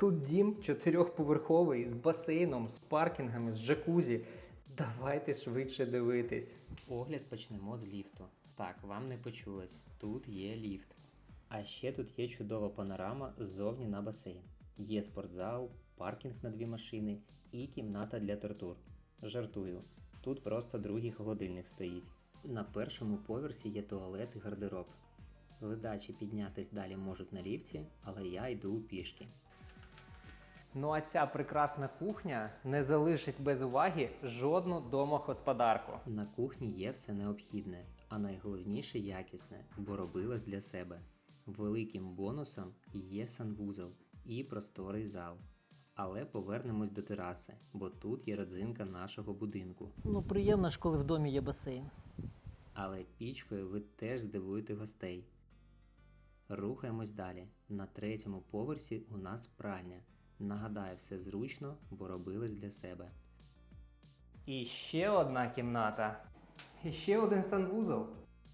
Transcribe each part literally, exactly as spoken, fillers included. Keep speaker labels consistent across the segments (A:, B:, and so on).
A: Тут дім чотирьохповерховий з басейном, з паркінгами, з джакузі. Давайте швидше дивитись.
B: Огляд почнемо з ліфту. Так, вам не почулось, тут є ліфт. А ще тут є чудова панорама ззовні на басейн. Є спортзал, паркінг на дві машини і кімната для тортур. Жартую, тут просто другий холодильник стоїть. На першому поверсі є туалет і гардероб. Ледачі піднятись далі можуть на ліфті, але я йду пішки.
A: Ну а ця прекрасна кухня не залишить без уваги жодну домогосподарку.
B: На кухні є все необхідне, а найголовніше якісне, бо робилось для себе. Великим бонусом є санвузол і просторий зал. Але повернемось до тераси, бо тут є родзинка нашого будинку.
C: Ну, приємно ж, коли в домі є басейн.
B: Але пічкою ви теж здивуєте гостей. Рухаємось далі. На третьому поверсі у нас пральня. Нагадаю, все зручно, бо робилось для себе.
A: І ще одна кімната. І ще один санвузол.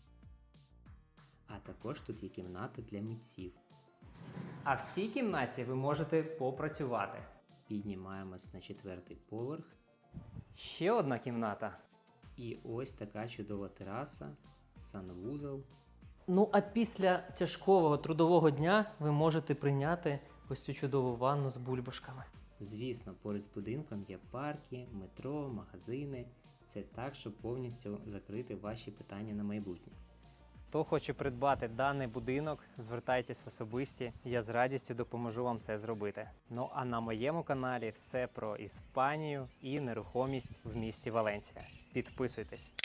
B: А також тут є кімната для митців.
A: А в цій кімнаті ви можете попрацювати.
B: Піднімаємось на четвертий поверх.
A: Ще одна кімната.
B: І ось така чудова тераса, санвузол.
C: Ну, а після тяжкого трудового дня ви можете прийняти ось цю чудову ванну з бульбашками.
B: Звісно, поруч з будинком є парки, метро, магазини. Це так, щоб повністю закрити ваші питання на майбутнє.
A: Хто хоче придбати даний будинок, звертайтесь в особисті, я з радістю допоможу вам це зробити. Ну а на моєму каналі все про Іспанію і нерухомість в місті Валенсія. Підписуйтесь.